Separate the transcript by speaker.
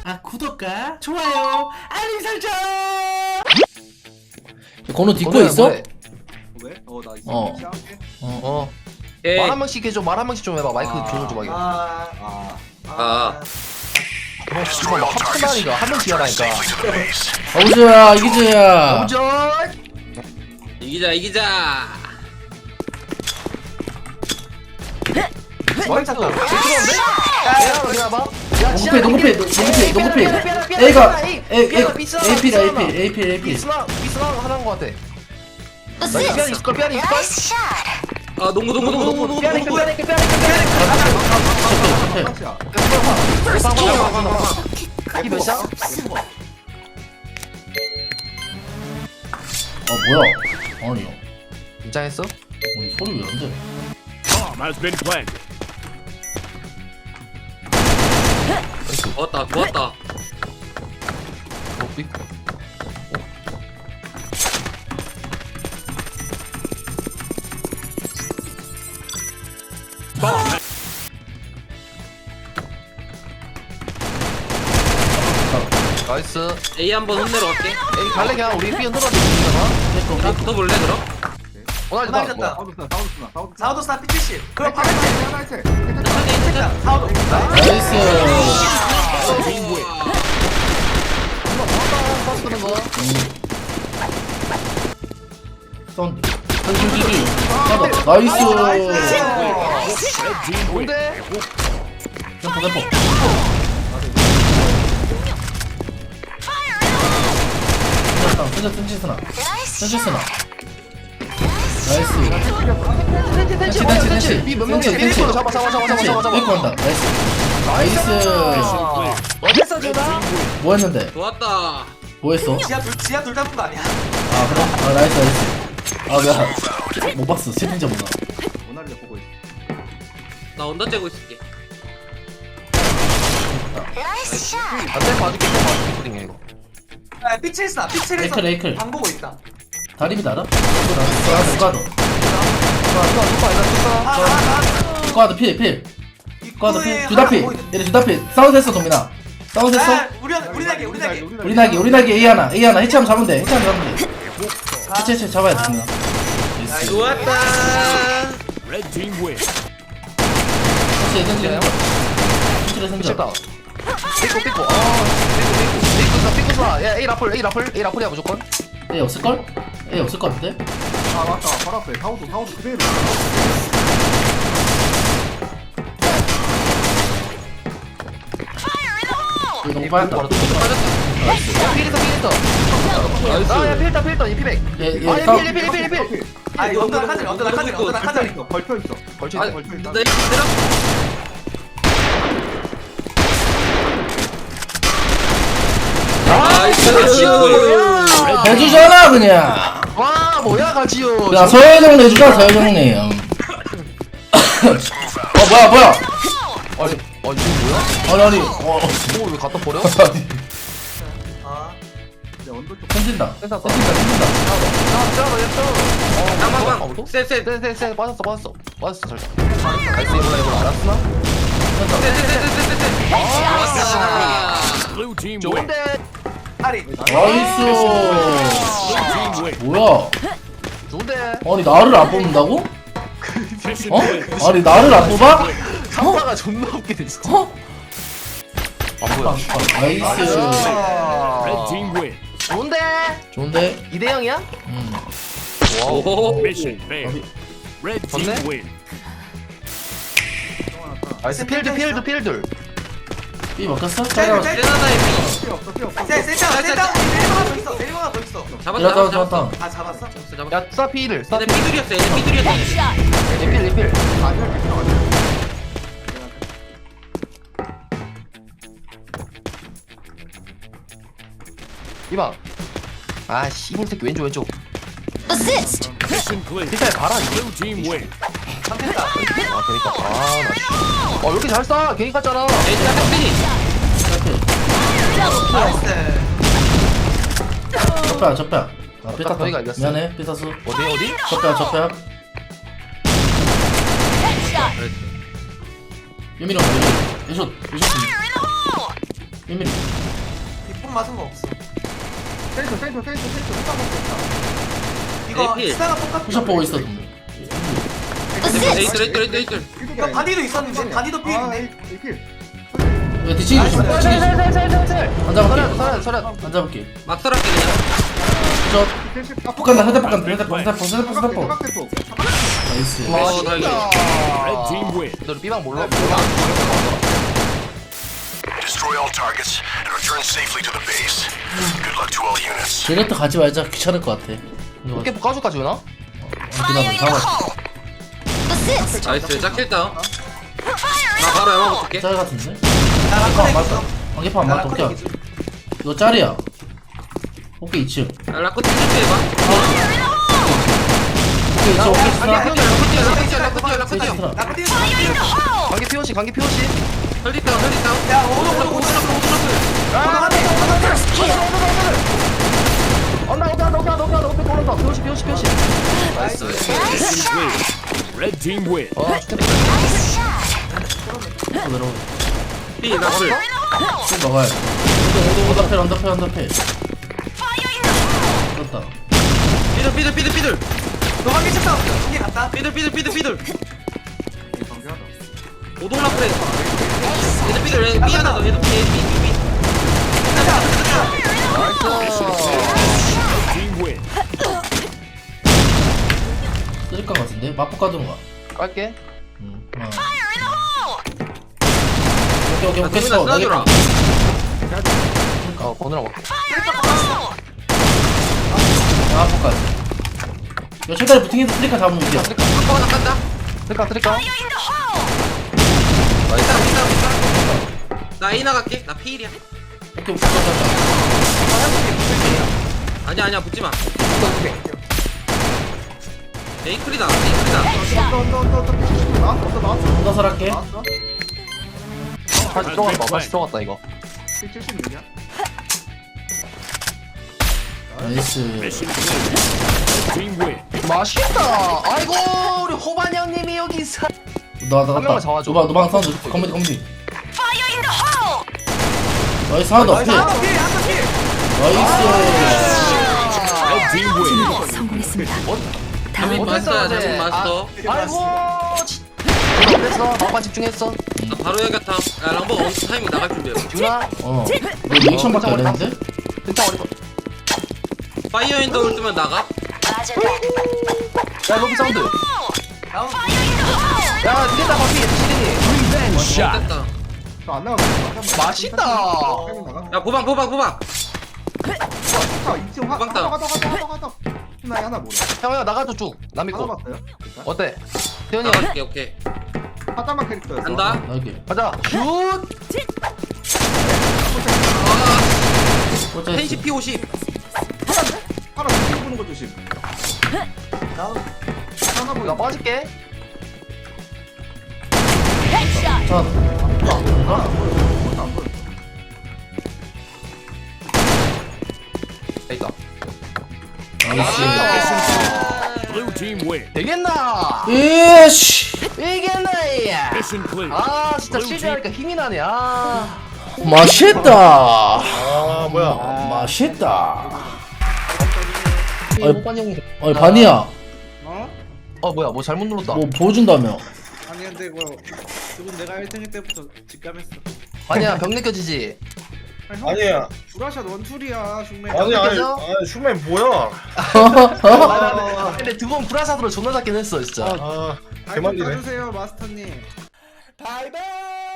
Speaker 1: 구독과 좋아요, 알림 설정.
Speaker 2: 건우 딛고 있어?
Speaker 3: 왜?
Speaker 4: 나 있어.
Speaker 2: 어.
Speaker 4: 시작할게.
Speaker 3: 말 한 번씩 해줘. 말 한 번씩 좀 해봐. 마이크 조절 좀 하게. 씨발 막 합친다니까. 한 명 뒤하라니까.
Speaker 2: 어우주야 이기주야.
Speaker 3: 도전.
Speaker 5: 이기자.
Speaker 3: 마이크 찼다. 들어온데? 야, 어디 가봐.
Speaker 2: 농구패 A가 AP
Speaker 3: 비스나 하나인 것 같아. 삐안이 있을걸? 삐안이 있을걸?
Speaker 5: 아 농구.
Speaker 3: 삐안이 이게 몇 샷?
Speaker 2: 뭐야? 아니요.
Speaker 3: 긴장했어?
Speaker 2: 소리 왜 안 돼?
Speaker 6: Bomb has been planted.
Speaker 5: 좋았다.
Speaker 3: 삐.
Speaker 6: Bomb.
Speaker 3: 나이스.
Speaker 5: A 한번 혼내러 갈게.
Speaker 3: 에이 갈래 그냥 우리 삐 흔들어 주잖아.
Speaker 5: 나 붙어볼래 그럼?
Speaker 3: 오늘
Speaker 4: 사우드
Speaker 3: 다
Speaker 4: 스나.
Speaker 1: 사우도 스타 P70. 그럼 파란색.
Speaker 4: 하나 있지.
Speaker 1: 괜찮다. 사우도.
Speaker 2: 나이스.
Speaker 3: 쓰는 거.
Speaker 2: 사운드. 나이스.
Speaker 3: 뭔데?
Speaker 2: 점프. 뜬지스나. 나이스. 텐치.
Speaker 3: 삐몇 명이야?
Speaker 2: 텐치.
Speaker 3: 삐 잡아.
Speaker 2: 삐고 한다. 나이스.
Speaker 3: 어땠어 주다?
Speaker 2: 뭐 했는데?
Speaker 5: 좋았다.
Speaker 2: 뭐 했어?
Speaker 1: 지하 둘 잡은 거 아니야?
Speaker 2: 아 그래? 아 나이스. 못 봤어. 채팅자 못 나.
Speaker 4: 모나리자 보고 있어.
Speaker 5: 나 언더 째고 있을게.
Speaker 3: 안돼 봐줄게 푸딩해 이거.
Speaker 1: P7 스나. P7에서
Speaker 2: 에이클.
Speaker 1: 방 보고 있다.
Speaker 2: 다리미 알아? 스쿼드 필. 스쿼드 필. 두다 필. 얘네 두다 필. 사운드 했어 동민아. 사운드 했어? 우리 나기 A 하나 해체하면 잡으면 돼. 해체 잡아야 돼 동민아.
Speaker 5: 좋았다.
Speaker 6: Red team win.
Speaker 2: 해체
Speaker 3: 미쳤다. 삐꼬. 삐꼬 쏴. 야 A 라플이야 무조건.
Speaker 2: A 없을걸? A 없을 것 같은데?
Speaker 4: 아 맞다. 바로 앞에 사우드 그대로.
Speaker 2: 이거 너무 빠졌다.
Speaker 3: 야 필터. 아야 필터 이 피백.
Speaker 2: 얘
Speaker 3: 필.
Speaker 1: 아 이거 언더 낙하자.
Speaker 4: 걸쳐 있어.
Speaker 3: 걸쳐
Speaker 5: 아,
Speaker 3: 있어.
Speaker 5: 나 이거 내려.
Speaker 2: 해주잖아 그냥.
Speaker 3: 와 뭐야 가지요.
Speaker 2: 야 서효정 내주자 서효정님. 뭐야?
Speaker 3: 아니 이거 뭐야?
Speaker 2: 아니
Speaker 3: 왜 갖다 버려?
Speaker 1: 아.
Speaker 4: 이제 언더 쪽.
Speaker 2: 던진다.
Speaker 3: 센터.
Speaker 5: 방방방. 셋.
Speaker 3: 쎄 빠졌어 잘. 나이스 이거 알았으나?
Speaker 5: 좋았다.
Speaker 6: Blue team win.
Speaker 3: 좋은데
Speaker 1: 아리.
Speaker 2: 나이스.
Speaker 6: Team win.
Speaker 2: 뭐야?
Speaker 3: 좋은데
Speaker 2: 아니 나를 안 뽑는다고?
Speaker 6: Mission
Speaker 2: 어?
Speaker 6: win.
Speaker 2: 아니 나를 안 뽑아?
Speaker 3: 상사가 존나 웃기네 진짜.
Speaker 2: 어?
Speaker 3: 안 보여.
Speaker 2: 나이스.
Speaker 6: Red team win.
Speaker 3: 좋은데
Speaker 2: 좋은데?
Speaker 3: 2대 0이야? 와우.
Speaker 5: 오.
Speaker 6: Mission failed. Red team
Speaker 3: 좋네?
Speaker 6: win.
Speaker 3: 나이스 필드.
Speaker 2: B 먹혔어?
Speaker 1: 짤.
Speaker 5: 세나다의 B.
Speaker 4: 필요 없어.
Speaker 1: 센터. 내리막 하나 더 있어.
Speaker 5: 잡았다.
Speaker 1: 아 잡았어?
Speaker 3: 야 싸 필을.
Speaker 5: 얘네 삐둘이었어. 얘네 삐둘이었어.
Speaker 3: 필. 이봐. 아 씨발 새끼 왼쪽.
Speaker 6: Mission clear.
Speaker 3: 필살 봐라.
Speaker 6: Blue team win.
Speaker 3: 아 그러니까 나. 어 이렇게 잘 쏴. 괜히 갔잖아.
Speaker 5: 일단 팩트니.
Speaker 1: 나이스.
Speaker 2: 접배야. 아 삐 탔다.
Speaker 3: 저희가 이겼어.
Speaker 2: 미안해 삐타수.
Speaker 3: 어디?
Speaker 2: 접배야. 유미랑 유쇼. 1mm.
Speaker 1: 이쁨 맞은 거 없어.
Speaker 4: 센터 흑방 먹고
Speaker 1: 이거
Speaker 5: 에이필.
Speaker 1: 스나가 똑같아.
Speaker 2: 푸샷 보고 있어 동네.
Speaker 5: 에이들.
Speaker 4: 있다.
Speaker 1: 이거 바디도 있었는데 바디도 필인데.
Speaker 4: 에이필.
Speaker 2: 야 뒤치기 조심. 뒤치기 조심. 안 잡을게.
Speaker 3: 서련
Speaker 2: 안 잡을게.
Speaker 5: 막 썰었게 그냥.
Speaker 2: 저 폭간다. 헤드 폭간다. 헤드 폭. 나이스.
Speaker 5: 어, 다행이다.
Speaker 6: Red team win.
Speaker 3: 너 B방 몰라?
Speaker 7: Destroy all targets and return safely to the base. Good luck to all units.
Speaker 2: 제네트 가지 말자. 귀찮을 것 같아. 이거
Speaker 3: 어깨 까줄까 지훈아?
Speaker 2: 기다려. 잡아.
Speaker 5: 나이스. 짝킬 다운. 나 바로 연막 붙을게.
Speaker 2: 짤 같은데?
Speaker 1: 나
Speaker 2: 안
Speaker 1: 라커
Speaker 2: 맞다.
Speaker 1: 있어.
Speaker 2: 관계파 안
Speaker 1: 나
Speaker 2: 맞다.
Speaker 1: 라커
Speaker 2: 오케이. 이거 짤이야. 오케이 2층.
Speaker 5: 야, 라코 til트 해봐.
Speaker 2: 오케이 2층. 오케이 스나.
Speaker 5: 라코 뛰어.
Speaker 2: 오케이 스나.
Speaker 1: 라커 뛰어.
Speaker 3: 관계 POC 관계 POC.
Speaker 5: 혈디 다운.
Speaker 1: 야 오동.
Speaker 3: 온다 POC
Speaker 5: 나이스.
Speaker 6: Red team win.
Speaker 3: 어 스텝
Speaker 2: 또 내려오네.
Speaker 5: B 나풀.
Speaker 2: 또 먹어야 돼. 언더펠. 그렇다.
Speaker 5: 삐들.
Speaker 1: 도망기 쳤다. 이게 갔다.
Speaker 5: 삐들. 오동 라풀에. 얘들 삐들. 얘 B 하나 더. 얘들 B.
Speaker 6: Red team win.
Speaker 2: 쓸 것 같은데? 맛폭 가든가.
Speaker 3: 깔게.
Speaker 2: 오케이
Speaker 5: 나
Speaker 2: 스톱.
Speaker 5: 쏴주라.
Speaker 3: 번호랑 먹게.
Speaker 2: 맛폭까지. 이거 최대한 부팅해서 트리카 잡으면 이겨.
Speaker 5: 아까 하나 깐다.
Speaker 3: 트리카.
Speaker 5: 나 A 나갈게. 나 P1이야.
Speaker 2: 오케이.
Speaker 5: 아니야 붙지 마. 에이클이다.
Speaker 2: 언더설 할게.
Speaker 3: 다시 들어갔다 이거.
Speaker 4: 76이야?
Speaker 2: 나이스.
Speaker 6: Mission clear. Red team win.
Speaker 3: 맛있다. 아이고 우리 호반 형님이 여기 있어.
Speaker 2: 나
Speaker 3: 한 명만
Speaker 2: 갔다.
Speaker 3: 잡아줘.
Speaker 2: 노방 사운드. 커뮤니. 나이스 하나 더. 필.
Speaker 1: 한번 필.
Speaker 2: 나이스.
Speaker 6: Red team win.
Speaker 8: 성공했습니다.
Speaker 5: 잘못 봤어.
Speaker 3: 아이고 됐어. 막판 집중했어.
Speaker 5: 나 바로 해야겠다. 야 람보 원 타이밍 나갈 준비해.
Speaker 3: 준아.
Speaker 2: 너 리액션밖에 안 했는데?
Speaker 3: 괜찮아 어리.
Speaker 5: 파이어 인더 올 뜨면 나가.
Speaker 3: 야 로비 사운드.
Speaker 1: 나온.
Speaker 3: 야 니네다 바피 시린이.
Speaker 5: 됐다.
Speaker 4: 저안 나가면
Speaker 3: 맛있다.
Speaker 5: 야 보방.
Speaker 4: 가다. 하나 모르.
Speaker 3: 형아 나가줘 쭉. 남
Speaker 4: 하나
Speaker 3: 믿고.
Speaker 4: 봤어요?
Speaker 3: 어때? 태현이 형
Speaker 5: 나갈게. 오케이.
Speaker 4: 하다만 캐릭터였어.
Speaker 5: 간다.
Speaker 2: 나이게.
Speaker 3: 가자. 슛.
Speaker 5: 텐시 P50.
Speaker 4: 하나 뒤로 보는 거 조심. 하나
Speaker 3: 나
Speaker 4: 보여.
Speaker 3: 빠질게.
Speaker 2: 자.
Speaker 3: 있다.
Speaker 2: 나이스.
Speaker 6: Blue team win.
Speaker 3: 되겠나?
Speaker 2: 이씨.
Speaker 3: 이겠나 야.
Speaker 6: Mission clear.
Speaker 3: 아 진짜 실제하니까 힘이 나네. 아.
Speaker 2: 맛있다.
Speaker 3: 아 뭐야?
Speaker 2: 맛있다.
Speaker 3: 호반 형이.
Speaker 2: 아니 반이야.
Speaker 3: 어 뭐야 뭐 잘못 눌렀다.
Speaker 2: 뭐 보여준다며.
Speaker 9: 아니 근데 이거 지금 내가 1등일 때부터 직감했어.
Speaker 3: 아니야 병 느껴지지.
Speaker 9: 아니야. 브라샷 원툴이야 중매.
Speaker 3: 느껴져?
Speaker 10: 슈맨 뭐야?
Speaker 3: 근데 두 번 브라사드로 존나 잡긴 했어 진짜.
Speaker 10: 아,
Speaker 9: 좀
Speaker 10: 개만리네.
Speaker 9: 봐주세요 마스터님.
Speaker 3: 바이바이.